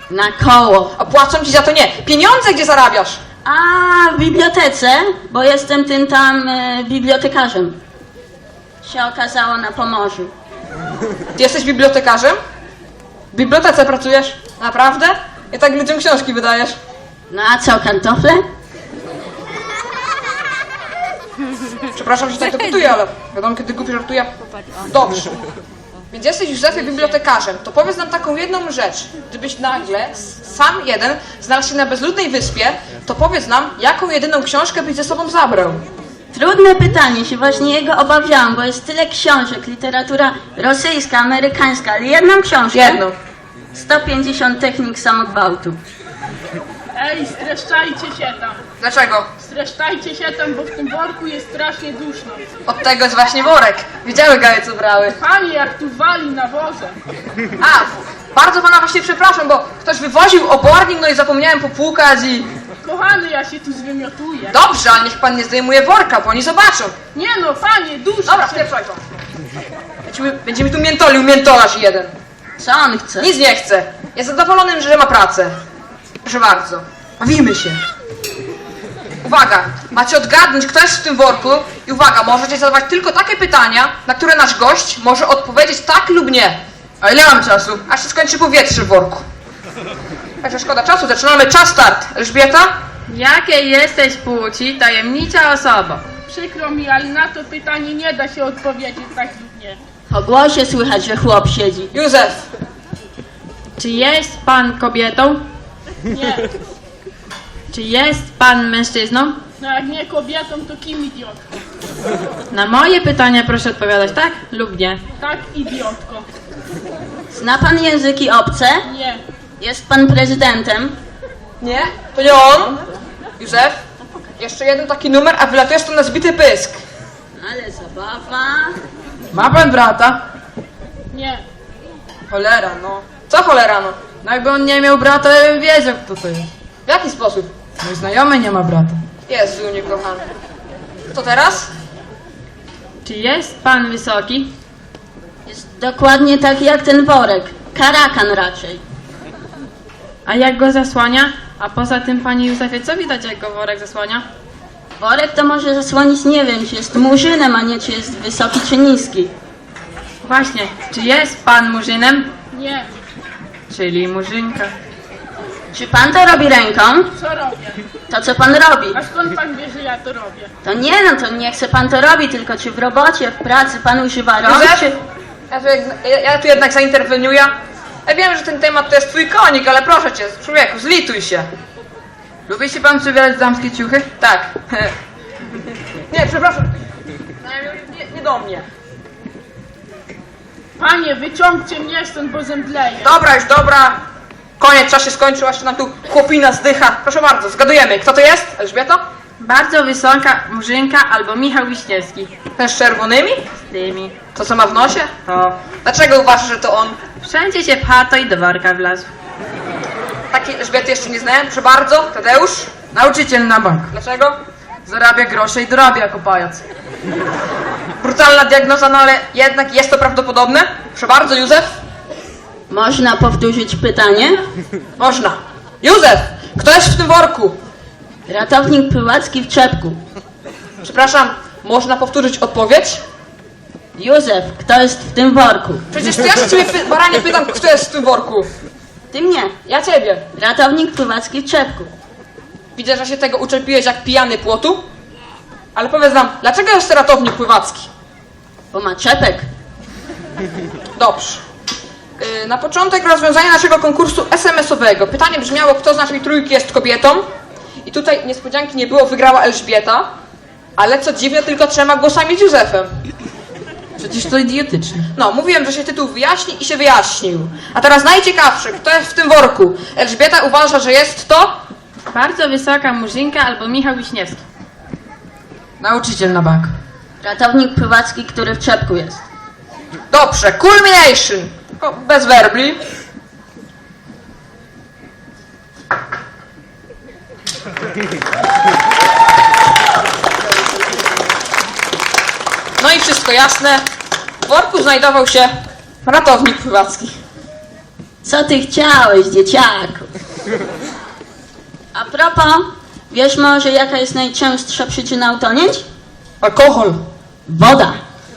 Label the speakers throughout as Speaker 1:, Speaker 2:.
Speaker 1: Na koło.
Speaker 2: A płacą ci za to nie. Pieniądze gdzie zarabiasz?
Speaker 1: A w bibliotece, bo jestem tym tam bibliotekarzem. Się okazało na Pomorzu.
Speaker 2: Ty jesteś bibliotekarzem? W bibliotece pracujesz? Naprawdę? Ja tak ludziom książki wydajesz.
Speaker 1: No a co, kartofle?
Speaker 2: Przepraszam, że tak to pytuję, ale wiadomo, kiedy głupi żartuję. Dobrze. Więc jesteś, Józefie, bibliotekarzem. To powiedz nam taką jedną rzecz. Gdybyś nagle, sam jeden, znalazł się na bezludnej wyspie, to powiedz nam, jaką jedyną książkę byś ze sobą zabrał.
Speaker 1: Trudne pytanie, się właśnie jego obawiałam, bo jest tyle książek, literatura rosyjska, amerykańska, ale jedną książkę.
Speaker 2: Jedną.
Speaker 1: 150 technik samogwałtu.
Speaker 3: Ej, streszczajcie się tam.
Speaker 2: Dlaczego?
Speaker 3: Streszczajcie się tam, bo w tym worku jest strasznie duszno.
Speaker 2: Od tego jest właśnie worek. Widziały gaje, co brały.
Speaker 3: Panie, jak tu wali nawozem.
Speaker 2: A, bardzo pana właśnie przepraszam, bo ktoś wywoził obornik, no i zapomniałem popłukać i...
Speaker 3: Kochany, ja się tu zwymiotuję.
Speaker 2: Dobrze, ale niech pan nie zdejmuje worka, bo oni zobaczą.
Speaker 3: Nie no, panie, duszno
Speaker 2: Dobra,
Speaker 3: się.
Speaker 2: spieprzaj to. Będziemy tu miętolił, miętolarz jeden.
Speaker 1: Co on chce?
Speaker 2: Nic nie chce. Jest zadowolony, że ma pracę. Proszę bardzo. Bawimy się. Uwaga, macie odgadnąć, kto jest w tym worku i uwaga, możecie zadawać tylko takie pytania, na które nasz gość może odpowiedzieć tak lub nie. A ile mam czasu? Aż się skończy powietrze w worku. Także szkoda czasu, zaczynamy. Czas start. Elżbieta?
Speaker 4: Jakiej jesteś płci, tajemnicza osoba?
Speaker 3: Przykro mi, ale na to pytanie nie da się odpowiedzieć tak lub nie.
Speaker 1: Po głosie słychać, że chłop siedzi.
Speaker 2: Józef.
Speaker 4: Czy jest pan kobietą?
Speaker 3: Nie.
Speaker 4: Czy jest pan mężczyzną?
Speaker 3: No jak nie kobietą, to kim idiotką?
Speaker 4: Na moje pytania proszę odpowiadać tak lub nie.
Speaker 3: Tak, idiotko.
Speaker 1: Zna pan języki obce?
Speaker 3: Nie.
Speaker 1: Jest pan prezydentem?
Speaker 2: Nie? To nie on? Józef? Jeszcze jeden taki numer, a wylatujesz tu na zbity pysk.
Speaker 1: Ale zabawa.
Speaker 5: Ma pan brata?
Speaker 3: Nie.
Speaker 2: Cholera, no. Co cholera, no?
Speaker 5: No jakby on nie miał brata, ja bym wiedział, kto to jest.
Speaker 2: W jaki sposób?
Speaker 5: Mój znajomy nie ma brata.
Speaker 2: Jezu, niekochany. Co teraz?
Speaker 4: Czy jest pan wysoki?
Speaker 1: Jest dokładnie taki jak ten worek. Karakan raczej.
Speaker 4: A jak go zasłania? A poza tym, panie Józefie, co widać, jak go worek zasłania?
Speaker 1: Worek to może zasłonić, nie wiem, czy jest murzynem, a nie czy jest wysoki czy niski.
Speaker 4: Właśnie, czy jest pan murzynem?
Speaker 3: Nie.
Speaker 4: Czyli murzynka.
Speaker 1: Czy pan to robi ręką?
Speaker 3: Co robię?
Speaker 1: To co pan robi?
Speaker 3: A skąd pan wie, że ja to robię?
Speaker 1: To nie, no to nie chce pan to robi, tylko czy w robocie, w pracy pan używa rąk,
Speaker 2: Józef?
Speaker 1: czy...
Speaker 2: Ja tu jednak zainterweniuję. Ja wiem, że ten temat to jest twój konik, ale proszę cię, człowieku, zlituj się.
Speaker 5: Lubi się pan przybierać damskie ciuchy?
Speaker 2: Tak. Nie, przepraszam. Nie do mnie.
Speaker 3: Panie, wyciągcie mnie stąd, bo zemdleję.
Speaker 2: Dobra, już dobra. Koniec, czas się skończył, aż nam tu chłopina zdycha. Proszę bardzo, zgadujemy. Kto to jest? Elżbieta?
Speaker 4: Bardzo wysoka murzynka albo Michał Wiśniewski.
Speaker 2: Ten z czerwonymi?
Speaker 4: Z tymi.
Speaker 2: To co ma w nosie?
Speaker 4: To.
Speaker 2: Dlaczego uważasz, że to on?
Speaker 4: Wszędzie się pcha, to i do worka wlazł.
Speaker 2: Takiej Elżbiety jeszcze nie znałem. Proszę bardzo. Tadeusz?
Speaker 5: Nauczyciel na bank.
Speaker 2: Dlaczego?
Speaker 5: Zarabia grosze i dorabia jako pajac.
Speaker 2: Brutalna diagnoza, no ale jednak jest to prawdopodobne. Proszę bardzo, Józef?
Speaker 1: Można powtórzyć pytanie?
Speaker 2: Można. Józef! Kto jest w tym worku?
Speaker 1: Ratownik pływacki w czepku.
Speaker 2: Przepraszam, można powtórzyć odpowiedź?
Speaker 1: Józef, kto jest w tym worku?
Speaker 2: Przecież to ja się ciebie, baranie, pytam, kto jest w tym worku.
Speaker 1: Ty mnie.
Speaker 2: Ja ciebie.
Speaker 1: Ratownik pływacki w czepku.
Speaker 2: Widzę, że się tego uczepiłeś jak pijany płotu. Ale powiedz nam, dlaczego jest ratownik pływacki?
Speaker 1: Bo ma czepek.
Speaker 2: Dobrze. Na początek rozwiązania naszego konkursu SMS-owego. Pytanie brzmiało, kto z naszej trójki jest kobietą. I tutaj niespodzianki nie było, wygrała Elżbieta. Ale co dziwne, tylko 3 głosami z Józefem.
Speaker 5: Przecież to idiotyczne.
Speaker 2: No, mówiłem, że się tytuł wyjaśni i się wyjaśnił. A teraz najciekawsze, kto jest w tym worku? Elżbieta uważa, że jest to...
Speaker 4: Bardzo wysoka murzynka albo Michał Wiśniewski.
Speaker 5: Nauczyciel na bank.
Speaker 1: Ratownik pływacki, który w czepku jest.
Speaker 2: Dobrze, culmination. O, bez werbli. No i wszystko jasne. W worku znajdował się ratownik pływacki.
Speaker 1: Co ty chciałeś, dzieciaku? A propos, wiesz może jaka jest najczęstsza przyczyna utonięć?
Speaker 2: Alkohol.
Speaker 1: Woda.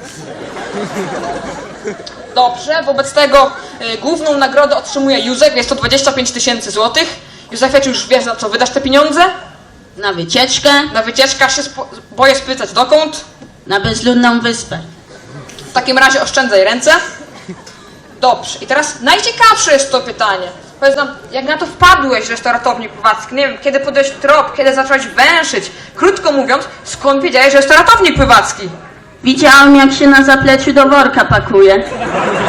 Speaker 2: Dobrze, wobec tego główną nagrodę otrzymuje Józef, jest to 25 000 złotych. Józefie, czy już wiesz, na co wydasz te pieniądze?
Speaker 1: Na wycieczkę,
Speaker 2: Na wycieczkę, aż się boję spytać dokąd.
Speaker 1: na bezludną wyspę.
Speaker 2: W takim razie oszczędzaj ręce. Dobrze, i teraz najciekawsze jest to pytanie. Powiedz nam, jak na to wpadłeś, restauratownik pływacki? Nie wiem, kiedy podjąłeś trop, kiedy zacząłeś węszyć? Krótko mówiąc, skąd wiedziałeś, że jest ratownik pływacki?
Speaker 1: Widziałam jak się na zapleczu do worka pakuje.